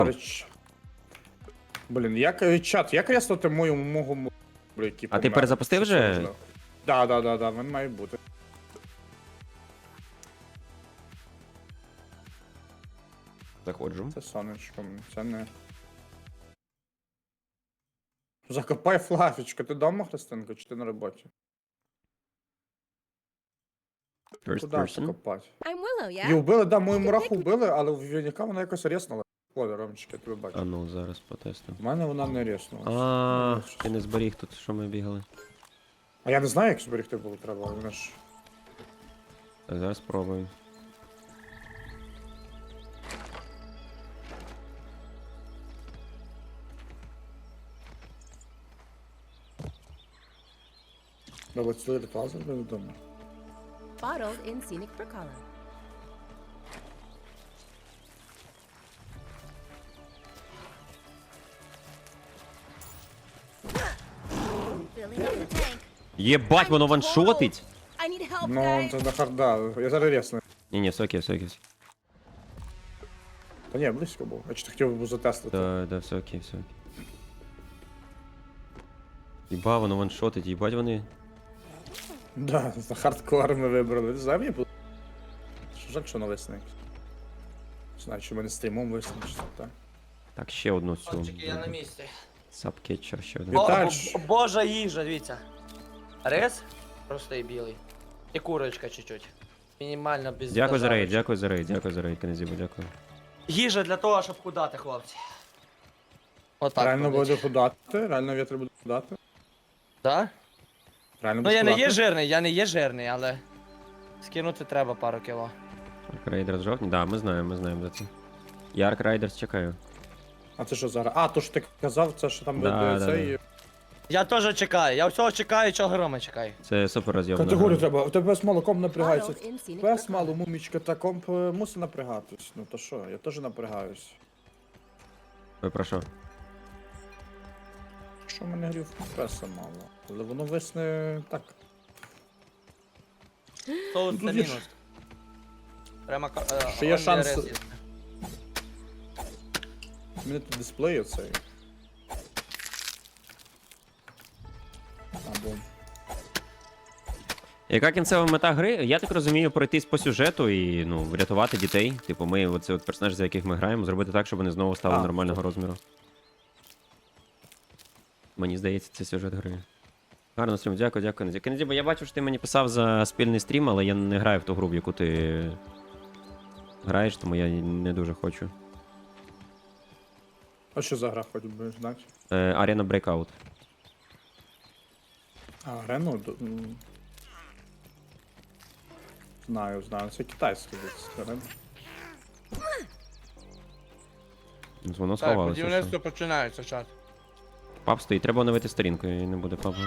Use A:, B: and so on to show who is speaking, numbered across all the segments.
A: Блін, як чат, як реснути мого який
B: А ти
A: помер?
B: перезапустив
A: Що це
B: вже?
A: можливо? Да, він має бути.
B: Заходжу.
A: Це сонечко, це не. Закопай флафічку, ти дома, Христинко, чи ти на роботі?
B: First
A: Куди
B: person.
A: закопати?
C: I'm Willow,
A: Її
C: yeah?
A: вбили, да, мою мураху вбили, але в Вінніка вона якось ріснула. Ой, Ромчик, я тебе бачу.
B: А ну, зараз потестимо.
A: У мене вона не ріснула.
B: А, ти не зберіг тут, що ми бігали.
A: А я не знаю, як зберегти було треба, але вона ж...
B: Так, зараз спробуємо.
A: Треба цілий ритуал зробити вдома.
C: Bottled in scenic Bricala. Filling up the tank.
B: Єбать, воно ваншотить!
C: I need help,
A: Ну,
C: guys.
A: це до харда, я зараз рісну.
B: Ні, все окей, все окей.
A: Та ні, близько був. Я чи ти хотів би затестити.
B: Да, все окей, все окей. Єба, воно ваншотить, їбать вони.
A: Да, за хардкор ми вибрали. Не знаю, мені було. Жаль, що навесне. Не знаю, чи в мене стрімом висне, чи що так.
B: Так, ще одну цю.
D: Хлопчики, я на місці.
B: Сабкетчер, ще один.
A: Віталь.
D: Божа їжа, дивіться. Рис простий білий. І курочка чуть-чуть. Мінімально без
B: Дякую за рейд,
D: дожарочки.
B: дякую за рейд, Канезібо, дякую.
D: Їжа для того, щоб худати, хлопці. Отак.
A: Реально
D: ходить.
A: буде худати, реально вітер буде худати.
D: Да?
A: Реально
D: Ну
A: буде
D: я не
A: худати.
D: є жирний, але скинути треба пару кіло.
B: Арк Рейдерс жовтні? Да, ми знаємо за це. Я Арк Рейдерс чекаю.
A: А це що зараз? А, то що ти казав, це що там
B: Да,
A: буде
B: да,
A: цей...
D: Я теж чекаю, я всього чекаю, чого грома чекаю.
B: Це супер роз'ємно.
A: Категорію треба, у тебе з малоком напрягається.
C: Bottled in scenic
A: Пес
C: Bricala.
A: мало, мумічка та комп мусить напрягатись. Ну то що, я теж напрягаюсь.
B: Ви про що?
A: Що в мене грів песа мало. Але воно висне так.
D: Соус
A: Тут
D: це
A: є ж-
D: мінус. Прямо
A: Ще є
D: only
A: шанс-
D: рис їсти.
A: У мене тут дисплей оцей. Або...
B: Яка кінцева мета гри? Я так розумію, пройтись по сюжету і ну, врятувати дітей. Типу, ми оце от персонажі, за яких ми граємо, зробити так, щоб вони знову стали
A: А,
B: нормального розміру. Мені здається, це сюжет гри. Гарно стрім, дякую. Кензібо, я бачу, що ти мені писав за спільний стрім, але я не граю в ту гру, в яку ти граєш, тому я не дуже хочу.
A: А що за гра хоч би знати?
B: Arena Breakout.
A: А, Рено? Знаю, це китайський десь. Рено.
B: Воно
D: Так,
B: сховалося.
D: будівництво починається, чат.
B: Пап стоїть, треба оновити сторінку, і не буде папа.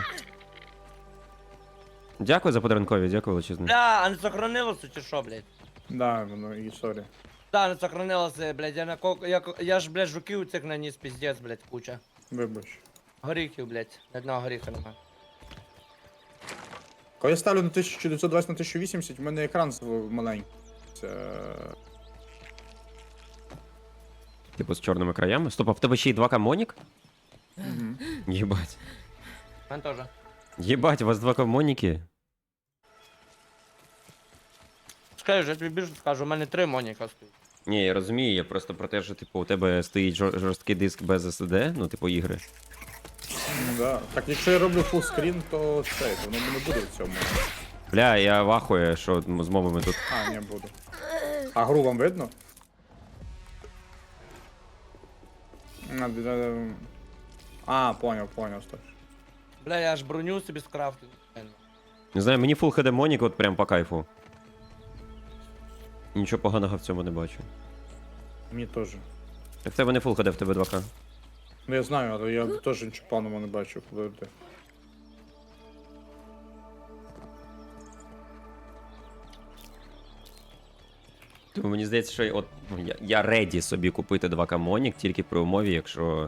B: Дякую за подарункові, дякую величезне.
D: Бля, а не сохранилося чи що, блядь?
A: Да, воно і сорі.
D: Да, не сохранилося, блядь, я ж, блядь, жуків цих наніс, піздець, блядь, куча.
A: Вибач.
D: Горіхів, блядь, ні одного горіха нема.
A: Коли я ставлю на 1920 на 1080, в мене екран маленький. Це...
B: Типу з чорними краями. Стоп, а в тебе ще й 2К Монік?
A: Мгм.
B: Єбать.
D: Мен теж.
B: Єбать, у вас 2К Моніки?
D: Скажу, я тобі більше скажу, у мене 3 моніка стоїть.
B: Ні, я розумію, я просто про те, що типу у тебе стоїть жорсткий диск без SSD, ну типу ігри.
A: Ну да. Так, якщо я роблю фулскрін, то цей, то воно не буде в цьому.
B: Бля, я вахую, що з мовами тут.
A: А, не буду. А гру вам видно? Понял, стоп.
D: Бля, я аж броню собі скрафтив.
B: Не знаю, мені Full HD Монік от прям по кайфу. Нічого поганого в цьому не бачу.
A: Мені теж.
B: Так в тебе не Full HD, в тебе 2К.
A: Ну я знаю, але я теж нічого поганого не бачу, коли ти.
B: Тому мені здається, що от ну, я реді собі купити 2К Монік тільки при умові, якщо.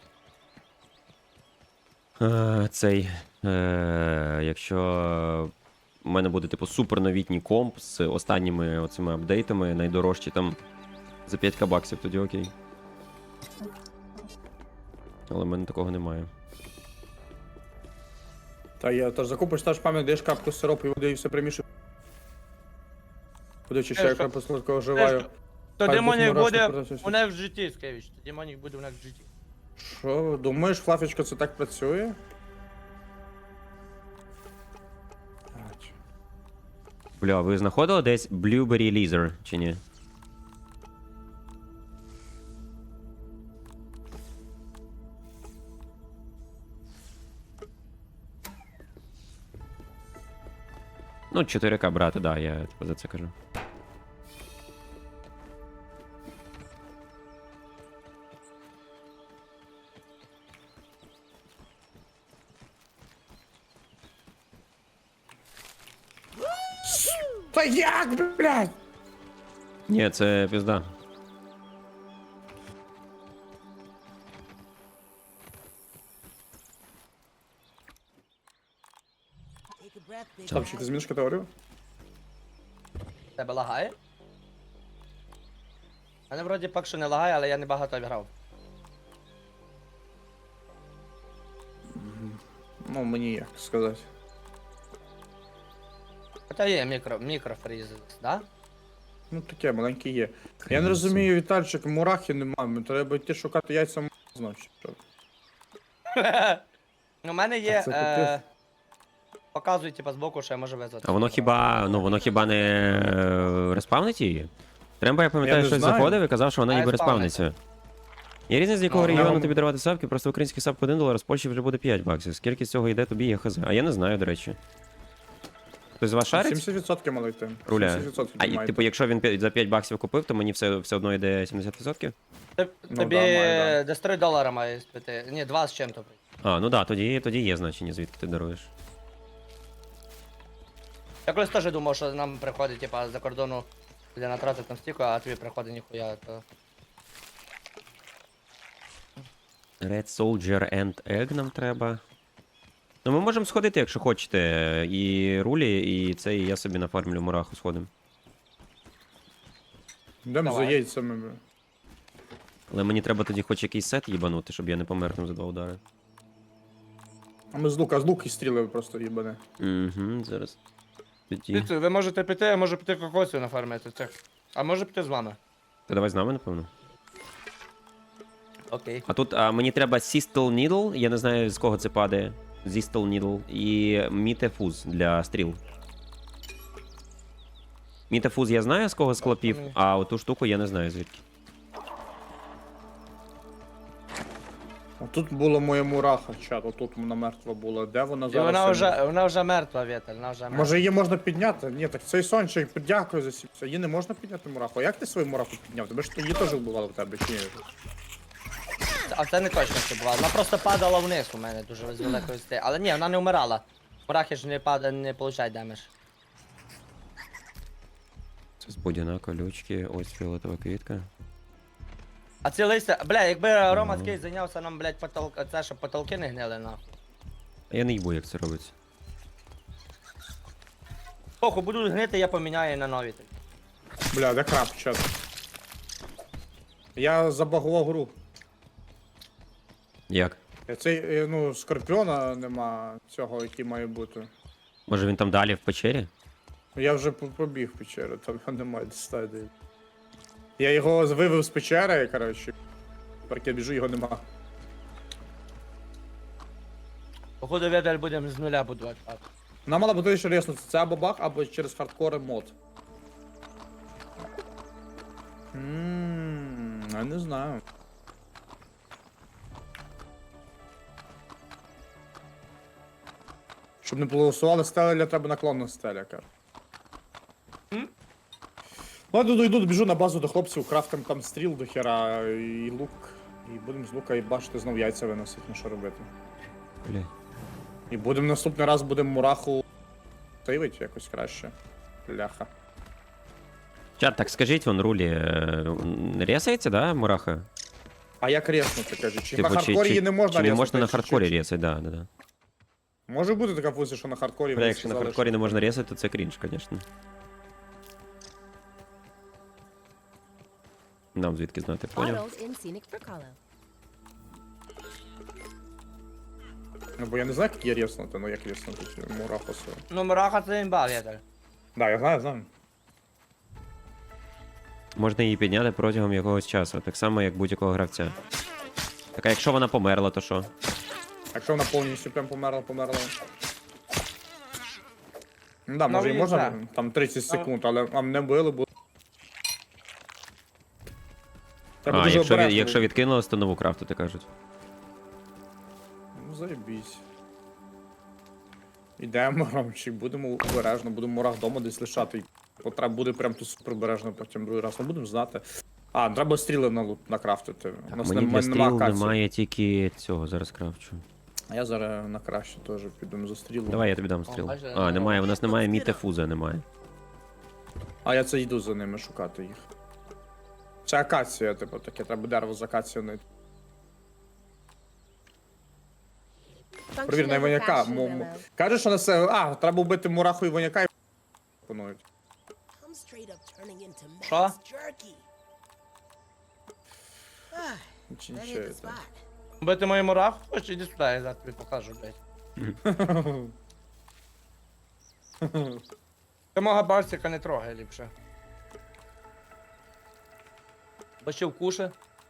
B: Якщо у мене буде типу суперновітній комп з останніми оцими апдейтами, найдорожчі там за 5К баксів, тоді окей. Але в мене такого немає.
A: Та я теж закупиш теж пам'ять, даєш капку сиропу і води і все примішуєш. Буде чи ще
D: Теж
A: яка посладка оживаю.
D: То
A: Хай
D: демонік
A: Бог мурашки
D: буде
A: продався.
D: у нас в житті, Скевич. Демонік буде у нас в житті.
A: Що, думаєш, Флафічко, це так працює? Ач.
B: Бля, ви знаходили десь Blueberry Laser, чи ні? Ну, 4К брати, да, я типу, за це кажу.
A: Та як, блядь?
B: Ні, це пізда.
A: Ставчик, ти зміниш категорію?
D: Тебе лагає? Мене вроді поки що не лагає, але я не багато грав.
A: Ну, мені як сказати.
D: Хоча є мікрофріз, да?
A: Ну таке, маленьке є. Я не розумію, Вітальчик, мурахи немає, треба йти шукати яйця значить. Що?
D: У мене є.
A: Це капець.
D: Показує, типа, збоку, що я можу визвати.
B: А воно хіба, ну воно хіба не респавнить її? Треба, я пам'ятаю,
A: Я не
B: щось
A: знаю.
B: заходив і казав, що вона
D: Має
B: ніби
D: респавнитися.
B: респавниться. Є різниця, з якого
A: Ну,
B: регіону
A: нам-
B: тобі дарувати сапки, просто український сап по $1, з Польщі вже буде 5 баксів. Скільки з цього йде тобі, я хз. А я не знаю, до речі. Хтось з вас шарить?
A: 70% мали йти.
B: Руля.
A: 70%
B: А і,
A: має
B: типу,
A: йти.
B: якщо він за 5 баксів купив, то мені все одно йде 70%?
A: Ну,
D: Тобі
A: да, має, да.
D: десь $3 має спити. Ні, 2 з чим-то.
B: А, ну да, тоді є значення, звідки ти даруєш.
D: Я колись теж думав, що нам приходить, типа, за кордону, де натратити там стільки, а тобі приходить ніхуя, то...
B: Red Soldier and Egg нам треба. Ну ми можемо сходити, якщо хочете. І рулі, і це, і я собі нафармлю мураху сходимо.
A: Йдемо за
D: Давай.
A: яйцями. бля.
B: Але мені треба тоді хоч якийсь сет їбанути, щоб я не помер там за 2 удари.
A: А ми з лука і стріли просто їбане.
B: Угу, зараз. Тоді.
D: Ви можете піти, я можу піти кокосів нафармити цих. А може піти з вами.
B: Та давай з нами, напевно.
D: Окей.
B: А тут мені треба Sistel Needle, я не знаю з кого це падає. Sistel Needle і Мітефуз для стріл. Мітефуз я знаю з кого з клопів, а оту штуку я не знаю звідки.
A: А тут була моя мураха, чат, отут вона мертва була. Де вона
D: І
A: зараз?
D: вона вже мертва, Віталь, вона вже мертва.
A: Може її можна підняти? Ні, так цей сончик, дякую за сіпся. Її не можна підняти мураху. А як ти свою мураху підняв? Тебе ж її теж вбивали в тебе, чи ні?
D: А це не точно це було. Вона просто падала вниз у мене дуже з великої сти. Але ні, вона не вмирала. Мурахи ж не получають демедж.
B: Це з будяна колючки, ось фіолетова квітка.
D: А ці листя, бля, якби Рома Скейт зайнявся нам, блядь, це, щоб потолки не гнили, нахуй.
B: А я не їбу, як це робиться.
D: Похуй, будуть гнити, я поміняю на нові.
A: Бля, де краб, чат? Я забагував гру.
B: Як?
A: Цей, ну, скорпіона нема цього, який має бути.
B: Може він там далі в печері?
A: Я вже побіг в печеру, там його немає стадії. Я його вивів з печери, коротше. Тепер я біжу, його нема.
D: Походу, Віталь, будемо з нуля будувати.
A: Нам мало бути ще ріснути, це або баг, або через хардкори мод. Я не знаю. Щоб не голосували стеля, треба наклонна стеля, каже. Ладно, йду, біжу на базу до хлопців, крафтим там стріл до хера і лук. І будемо з лука і бачити знов яйця виносити, ну що робити.
B: Бля.
A: І будемо наступний раз будемо мураху сейвити якось краще. Ляха.
B: Чат, так скажіть, вон рулі, ресається, да, мураха?
A: А як резнути, каже? Чи
B: Типу,
A: на хардкорі її не можна
B: чи не
A: резнути?
B: можна на
A: чи-
B: хардкорі
A: чи-
B: ресати, да.
A: Може бути така функція, що на хардкорі
B: Бля,
A: вони
B: якщо на
A: сказали,
B: хардкорі
A: що-
B: не можна ресати, то це крінж, звісно. Нам звідки знати, поняв?
C: Bottled in scenic Fricolo.
A: Ну, бо я не знаю, як є рєснути, ну як рєснути ці мурахоси.
D: Ну, мураха це імба, Віталь.
A: Да, я знаю.
B: Можна її підняти протягом якогось часу, так само, як будь-якого гравця. Так а якщо вона померла, то що?
A: Якщо вона повністю прям померла. Ну да,
D: Ну,
A: може і
D: і
A: можна
D: так.
A: там 30 секунд, але а мене били, бо... Треба
B: А,
A: дуже обережно
B: якщо
A: бути.
B: відкинулось, то нову крафтити, кажуть.
A: Ну, заєбісь. Ідемо, Ромчик, будемо обережно, будемо мурах вдома десь лишати. От треба буде прям тут супер обережно потім другий раз. Ми будемо знати. А, треба стріли накрафтити. У нас
B: Мені для стріл
A: акації.
B: немає тільки цього, зараз крафчу.
A: А я зараз на краще теж піду за стрілом.
B: Давай я тобі дам стріл.
D: бачиш,
B: А, немає, у нас немає мітефуза, немає.
A: А я це йду за ними шукати їх. Це акація, типу, таке, треба дерево з акації знайти.
C: Function
A: Провір на
C: as a
A: іваняка.
C: fashion demo.
A: Кажеш, що на це. А, треба вбити мураху іваняка і пропонують.
E: I'm straight up turning into
D: Що?
E: Max jerky.
A: Чи
E: That
A: нічого,
E: hit the
A: так.
E: spot.
D: Бити мою мураху? Хоч іди сюди, я зараз тобі покажу, блядь. Ти мого барсика не трогай ліпше. Бо ще вкуше.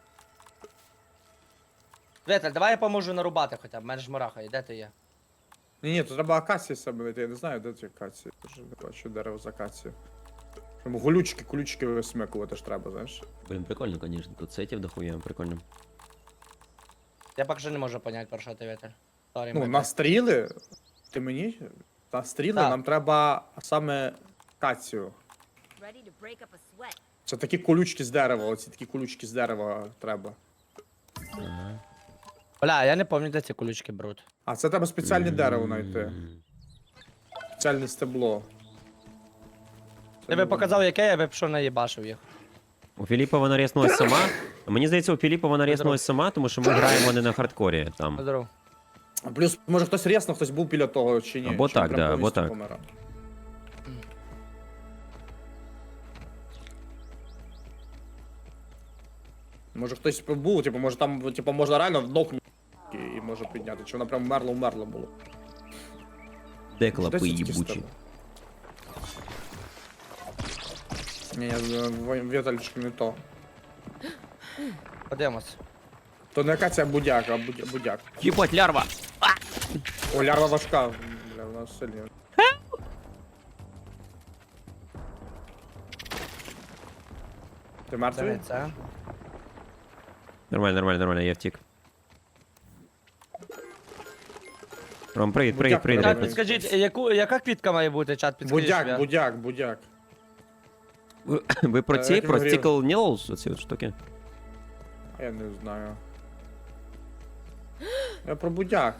D: Віталь, давай я поможу нарубати хоча б, в мене ж мураха є, де ти є?
A: Ні, то треба акації себе знайти, я не знаю, де ці акації. Я вже не бачу дерево з акації. Щоб колючки висмикувати ж треба, знаєш.
B: Блін, прикольно, звісно, тут сетів дохуя, прикольно.
D: Я поки що не можу поняти, про що ти, Віталь. Sorry,
A: Ну,
D: мate.
A: на стріли. Ти мені? На стріли
D: Так.
A: нам треба саме акацію.
C: Ready to break up a sweat.
A: Це такі колючки з дерева, оці такі колючки з дерева треба.
B: Ага.
D: Бля, я не пам'ятаю, де ці колючки беруть.
A: А це треба спеціальне дерево знайти.
B: М.
A: Спеціальне стебло. Це
D: Ти
A: не
D: би показав, яке, я би пішов наїбашив їх.
B: У Філіпа вона ріснулась сама. Мені здається, у Філіпа вона ріснулась сама, тому що ми граємо не на хардкорі там.
D: Здоров.
A: воно. Плюс, може хтось рясно, хтось був біля того чи ні.
B: Або
A: чи
B: так,
A: прям
B: да, або
A: повністю
B: так.
A: помирав. Може хтось був, типу, може там, типу, можна реально вдохнути і може підняти. Чи вона прям вмерла було.
B: Де
A: Десь
B: клапи
A: такі
B: їбучі?
A: стебла. Ні, Віталічки не то.
D: Подивимось.
A: То не акація, а будяк, будяк.
B: Їбать, лярва!
A: О, лярва важка. Бля, вона сильна. Ти
D: Це
A: мертвий?
D: не це.
B: Нормально, я втік. Ром, привіт,
A: Будяк
B: привіт.
A: треба.
D: Чат, підскажіть, яка квітка має бути, чат, підскажіть.
A: Будяк.
B: Ви про ці,
A: як
B: про
A: він
B: Stickle Needles, оці от штуки?
A: Я не знаю. Я про будяк.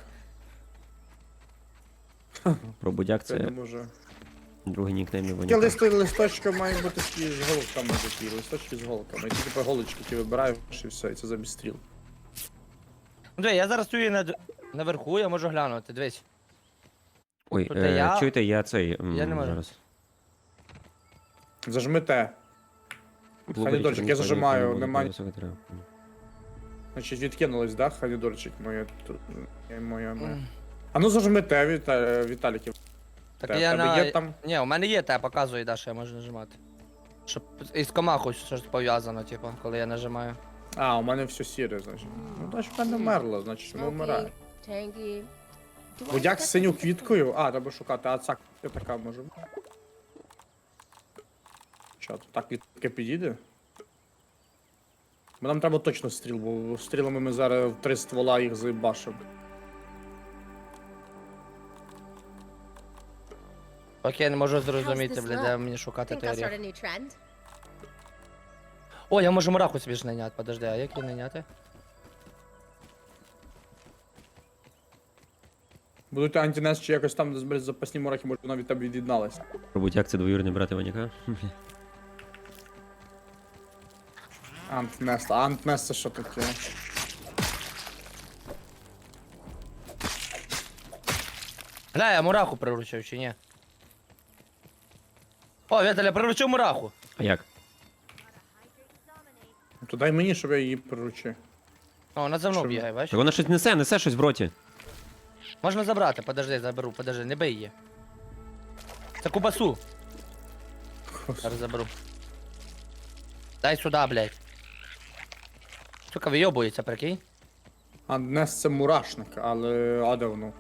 B: Про будяк
A: Це не
B: це
A: може.
B: другий нікнейм
A: Таке
B: Іваніка.
A: листочка має бути такі з голками такі, листочки з голками. І ти типу голочки ті вибираєш і все, і це замість стріл.
D: Диви, я зараз стою наверху, я можу глянути, дивись.
B: Ой,
D: Тут я-
B: чуєте, я цей.
D: Я не можу.
B: Зараз.
A: Зажми те. Ханідольчик, я зажимаю, немає. Значить, відкинулось, да, ханідольчик моє. Моє. А ну зажми те, Віталіків.
D: Так
A: Те,
D: я
A: в тебе
D: на...
A: є там?
D: Ні, у мене є те, показує, да, що я можу нажимати. Щоб із комахою щось пов'язано, типу, коли я нажимаю.
A: А, у мене все сіре, значить. Ну, значить, в мене вмерло, значить, воно вмирає.
C: Smoky, tangy. Do I
A: Будяк з
C: expect
A: синю
C: this to be
A: квіткою. А, треба шукати, а ця така може. Чат, так квітка підійде? Бо нам треба точно стріл, бо стрілами ми зараз в 3 ствола їх заїбашимо.
D: Поки я не можу зрозуміти,
C: this
D: бля,
C: look?
D: де мені шукати
C: think
D: той
C: I'll start
D: оріх.
C: a new trend?
D: О, я можу мураху собі ж найняти, подожди, а як її найняти?
A: Будуть антинес чи якось там, де зберуть запасні мурахи, може вона від тебе від'єдналась.
B: Про будяк це двоюрний брат Іваніка.
A: Антнест, а антнест це що таке?
D: Гля, я мураху приручив чи ні? О, Віталя, приручив мураху.
B: А як?
A: То дай мені, щоб я її приручив.
D: О, вона за мною
A: Що?
D: бігає, бачиш?
B: Так вона щось несе щось в роті.
D: Можна забрати, подожди, заберу, подожди, не бий її. Це кубасу. Зараз заберу. Дай сюди, блядь. Сука, вийобується, прикинь.
A: А Нес це мурашник, але а де воно?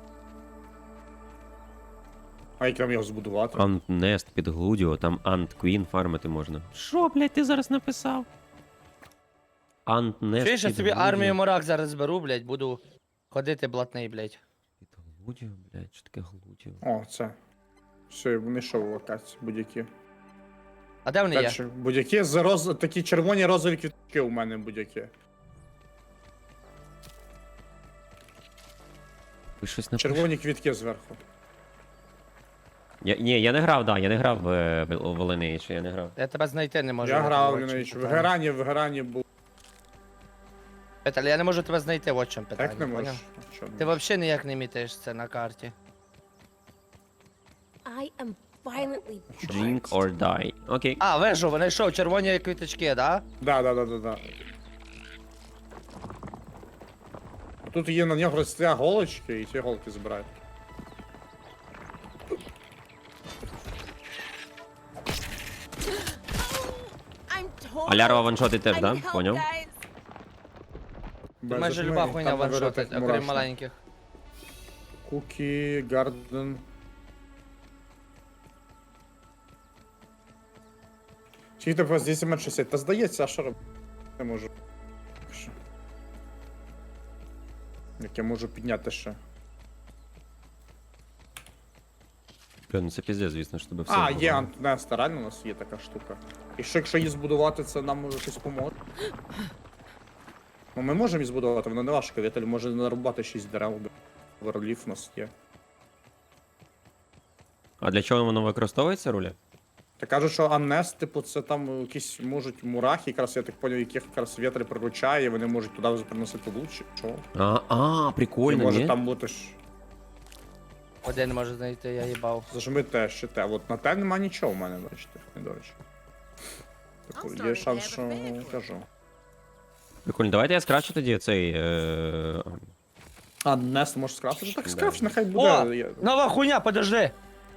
A: А як нам його збудувати?
B: Антнест під Глудіо, там Ант Квін фармити можна. Що, блядь, ти зараз написав? Антнест
D: Чуєш, я
B: під
D: собі
B: Глудіо.
D: армію морак зараз зберу, блядь, буду ходити блатний, блядь.
B: Під Глудіо, блядь, що таке Глудіо?
A: О, це. Все, вони що в локації, будь-які.
D: А де вони є?
A: Перші, будь-які з такі червоні розові квітки у мене будь-які.
B: Ви щось напишете?
A: Червоні квітки зверху.
B: Ні, я не грав, да, я не грав в Lineage, я не грав.
D: Я тебе знайти не можу.
A: Я грав
D: от в чому
A: в
D: питання.
A: Герані був.
D: Петель, я не можу тебе знайти, от в чому питання.
A: Так не можеш.
D: поняв?
A: А що не
D: Ти взагалі ніяк не мітаєш це на карті.
C: I am violently
B: Drink or die. Окей.
D: А, вижу, вони що, червоні квіточки, да?
A: Да. Тут є на нього росте голочки, і ці голки збирають.
C: I'm totally
B: А лярва ваншотить теж,
C: I
B: да?
C: need help,
B: Поняв?
C: guys.
A: Без
D: Майже
A: одної,
D: люба хуйня
A: там
D: ваншотить,
A: говорити,
D: окрім
A: мурашник.
D: маленьких.
A: Кукі, Гарден. Скільки тебе здесь 60? Та здається, а що робити? Не можу. Що? Як я можу підняти ще?
B: Бля, ну це піздець, звісно, що тебе все.
A: А,
B: вбиває.
A: є Антнеста, реально у нас є така штука. І що якщо її збудувати, це нам може щось поможе? Ну ми можемо її збудувати, воно не важко, Віталь може нарубати 6 дерев, верлів у нас є.
B: А для чого воно використовується, руля?
A: Та кажуть, що Аннес, типу, це там якісь можуть мурахи, якраз я так поняв, яких якраз вітер приручає, вони можуть туди приносити лучше. Що? І
B: Прикольно,
A: може
B: ні?
A: там бути ж.
D: Один може знайти, я їбав.
A: Зажми те, ще те. От на те нема нічого в мене, бачите, не до речі. Типу, є шанс, що кажу.
B: Прикольно, давайте я скрачу тоді цей.
A: Аннес може скрафтити? Так
B: Да.
A: скрафч, нехай
D: О!
A: буде.
D: Нова хуйня, подожди!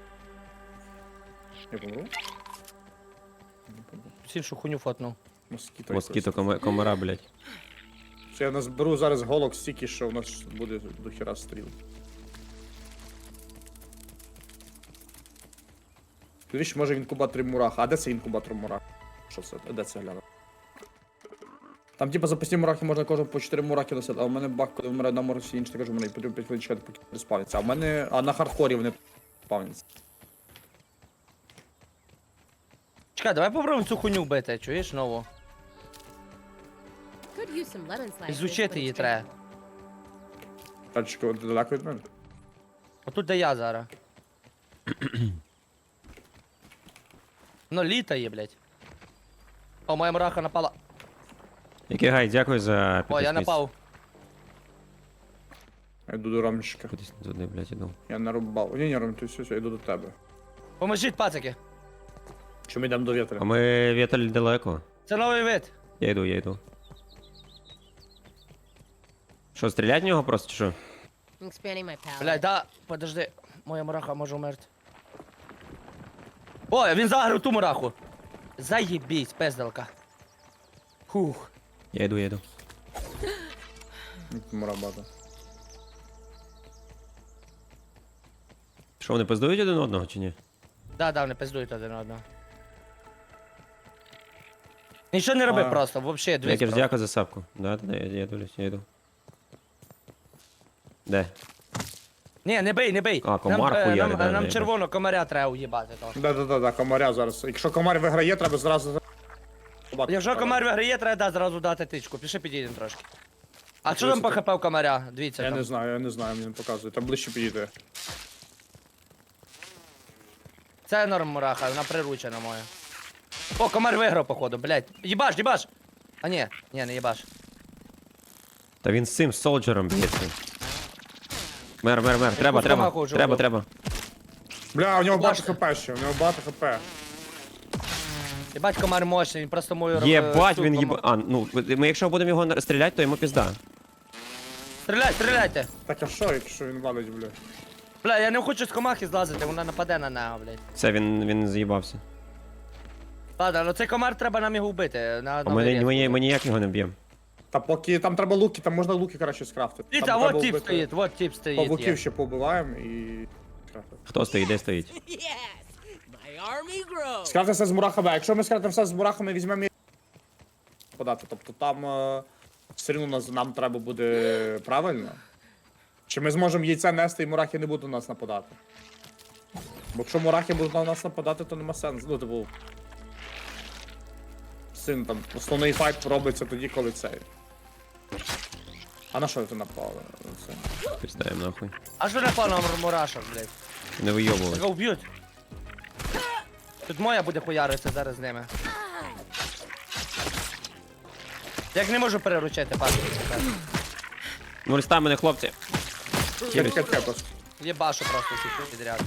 A: Я помру?
D: Всі що хуйню фотнув.
A: Москіто.
B: Москіто комара, блядь.
A: Це я назберу зараз голок стільки, що у нас буде до хіра стріл. Дивіться, може в інкубаторі мураха. А де це інкубатор мурах? Що це? Де це гляну? Там типа запасні мурахи можна кожен по 4 мурахи носити, а у мене бак, коли вмирає на мурахі, інший, кажу, мене потрібно 5 хвилин чекати, поки не спавняться. А в мене, а на хардкорі вони спавняться.
D: Чекай, давай попробуємо цю хуйню вбити, чуєш, нову?
C: Could use some lemon slices.
D: Ізучити
C: but
D: її
C: it's
D: треба.
A: Тачки далеко від мене.
D: Отут де я зараз. Ну, літає, блядь. О, моя мураха напала.
B: Який гай, дякую за
D: О, я
B: підписність.
D: напав.
A: Я йду до Ромчика.
B: Кудись не туди, блядь, іду.
A: Я нарубав. Ні, Ром, ти все, я йду до тебе.
D: Поможіть, пацики.
A: Чи ми йдемо до вітра?
B: А ми Віталь далеко.
D: Це новий вид.
B: Я йду. Що, стрілять в нього просто чи що?
C: I'm expanding my palate.
D: Блядь, да, подожди. Моя мураха може вмерти. О, він загрив ту мураху. Заєбісь, пизделка. Фух.
B: Я йду.
A: Мурабата.
B: Що, вони пиздують один одного чи ні?
D: Да, вони пиздують один одного. Нічого не роби
A: А.
D: просто, вообще, дивись.
B: Якір,
D: просто.
B: дякую за сапку. Да, я дивлюсь, я йду. Де?
D: Ні, не бий, не бий.
B: А, комар
D: нам,
B: хуярить,
D: нам,
B: да,
D: нам
B: я
D: червоного комаря треба уїбати. То.
A: Да, комаря зараз. Якщо комар виграє, треба зразу.
D: Якщо комар виграє, треба зразу дати тичку. Піши підійдемо трошки. А що там по хп у комаря? Дивіться
A: Я
D: там.
A: не знаю, мені не показує. Там ближче підійде.
D: Це норм мураха, вона приручена моя. О, комар виграв, походу, блядь. Їбаш! А ні, не їбаш.
B: Та він з цим солджером б'ється. Мер, треба.
D: Фустамаху вже вбив.
A: Бля, у нього багато
D: Бачите?
A: хп ще, у нього багато хп.
D: Єбать, комар мощний, він просто мою
B: Єбать, він
D: цю
B: їба... А, ну, ми якщо будемо його стріляти, то йому пізда.
D: Стріляйте!
A: Так а що, якщо він валить, бля?
D: Бля, я не хочу з комахи злазити, вона нападе на нього, блядь.
B: Все, він заїбався.
D: Ладно, ну цей комар треба нам його вбити.
B: А ми ніяк його не б'ємо.
A: Та поки там треба луки, там можна луки краще скрафтити.
D: Дивіться,
A: Там
D: вот
A: треба
D: тип
A: вбити
D: стоїть, вот тип стоїть.
A: Павуків
D: є.
A: ще побиваємо і... скрафтити.
B: Хто стоїть, де стоїть?
E: Yes, my army grows.
A: Скрафтити все з мурахами, а якщо ми скрафтимо все з мурахами, візьмемо і... подати, тобто там все рівно нам треба буде правильно. Чи ми зможемо яйце нести і мурахи не будуть на нас нападати? Бо якщо мурахи будуть на нас нападати, то нема сенсу. Ну, типу... Син там, основний файт робиться тоді, коли цей. А на що ти напали? Це.
B: Піздаємо нахуй.
D: Аж ви напав на мурашок, блядь.
B: Не вийобували.
D: Його вб'ють. Тут моя буде хуяритися зараз з ними. Як не можу переручити, пацки.
B: Ну, листа мене, хлопці.
A: Чекай просто.
D: Єбашу просто всіх підряд.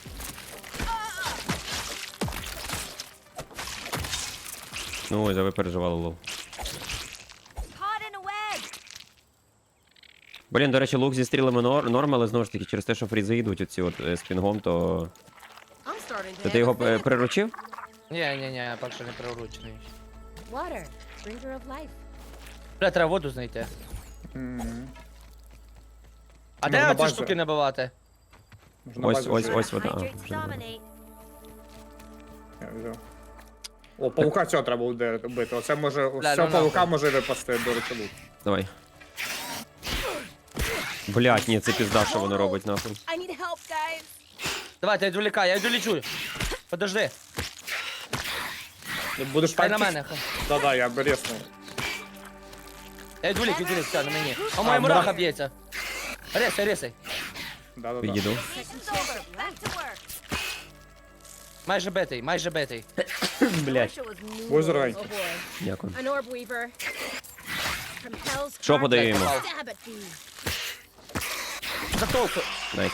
B: Ну, ось, а ви переживали лол. Блін, до речі, лук зі стрілами норм, але знову ж таки, через те, що фрізи йдуть оці от з пінгом, то...
C: I'm starting to
B: Ти
C: have
B: його
C: a fit.
B: приручив?
D: Ні, поки що не приручений.
C: Water, bringer of life.
D: Бля, треба воду знайти. А
A: Можна
D: де оці
A: бачити.
D: штуки набивати?
A: Можна
B: Ось,
A: бачити,
B: ось,
A: що
B: ось вода. А,
F: Hydrates
B: вже не знаю.
F: dominate.
A: я взяв. О, павука цього треба буде бити. Оце може.
D: Бля,
A: З цього
D: ну
A: павука
D: нахуй.
A: може випасти до речі лук.
B: Давай. Блять, ні, це пізда, що воно робить, нахуй.
C: I need help, guys.
D: Давайте, я відволікаю, я відволічу. Подожди,
A: Будеш
D: хай на
A: танки?
D: мене.
A: Да-да, я бересну.
D: Я відволік, все, на мені. А
A: А,
D: моя мураха
A: мураха.
D: б'ється. Рисай.
A: Да-да-да.
B: Підійду.
F: Session's over. Back to work.
D: Майже битий.
B: Блять.
C: Wish it was me.
A: Будь здоровий.
C: Oh boy.
B: Дякую.
C: An orb weaver. From hell's
B: Що
C: heart.
B: подаємо?
C: Stab at thee.
D: Затовку.
B: Дай.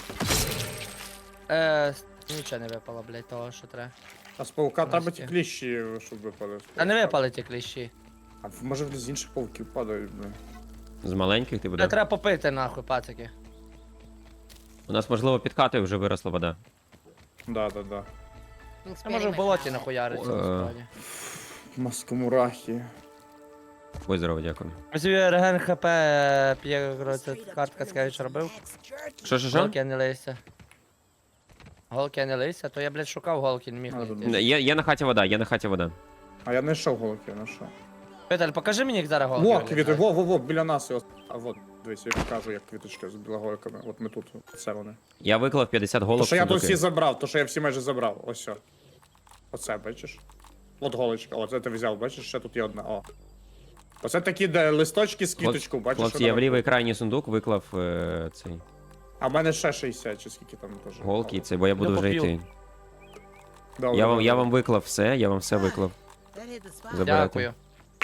D: Нічого не випало, блядь, того, що треба.
A: А з павука треба
D: Настя.
A: ті кліщі, щоб випали.
D: А не випали ті кліщі.
A: А може з інших павуків падають, блин.
B: З маленьких ти
D: Бля,
B: буде.
D: треба попити, нахуй, пацики.
B: У нас, можливо, під хатою вже виросла вода.
A: Да-да-да.
C: I'm
D: Я
C: expanding
D: можу в
C: my
D: болоті
C: palate.
D: нахуяритися, насправді.
A: Маскомурахи.
B: Будь здорово, дякую.
D: Ось реген хп п'є, це картка скажеш робив.
B: Що?
D: Голки не лися. Голки не лися, то я, блядь, шукав голки, не міг
A: А,
D: знайти.
B: Є на хаті вода,
A: А я не йшов голки, я не йшов.
D: Віталь, покажи мені, як зараз голки
A: Во,
D: виглядають.
A: квіти, во, біля нас. А вот, дивись, я покажу, як квіточки з білогойками. От ми тут, це вони.
B: Я виклав 50
A: То,
B: голок
A: що я тут всі
B: сундуки.
A: забрав, то, що я всі майже забрав. Ось все. Оце, бачиш? От голочка, оце ти взяв, бачиш, ще тут є одна, о. Оце такі, де листочки з квіточкою, бачиш?
B: Хлопці,
A: що
B: я в
A: там?
B: лівий крайній сундук виклав цей
A: А в мене ще 60, чи скільки там теж.
B: голки, і це, бо я буду
D: Ну,
B: вже
D: поп'ю.
B: йти.
A: Добре,
B: Я
A: добре.
B: вам виклав все, я вам все виклав.
E: That hit the spot.
B: Забирайте.
D: Дякую.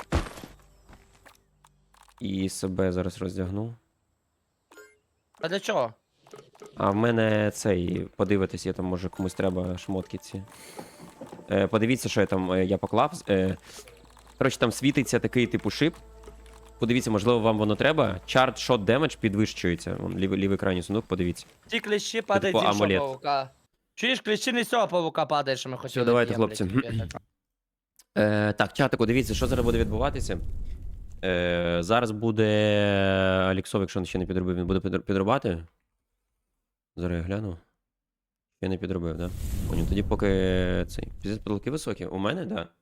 B: І себе зараз роздягну.
D: А для чого?
B: А в мене цей, подивитись, я там може комусь треба шмотки ці. Подивіться, що я там я поклав. Коротше, там світиться такий типу шип. Подивіться, можливо, вам воно треба. Chart Shot Damage підвищується. Вон, лівий крайній сундук, подивіться.
D: Ті кліщі падають
B: типу
D: з іншого
B: амулет.
D: павука. Чуєш, кліщі не з цього павука падають, що ми хотіли.
B: давайте,
D: б'єм, блядь,
B: хлопці.
D: капець.
B: Так, чатику, дивіться, що зараз буде відбуватися. Зараз буде Аліксов, якщо він ще не підробив, він буде підрубати. Зараз я гляну. Ще не підробив, так? Да? Поняв. Тоді поки цей. Потолки високі. У мене, так. Да.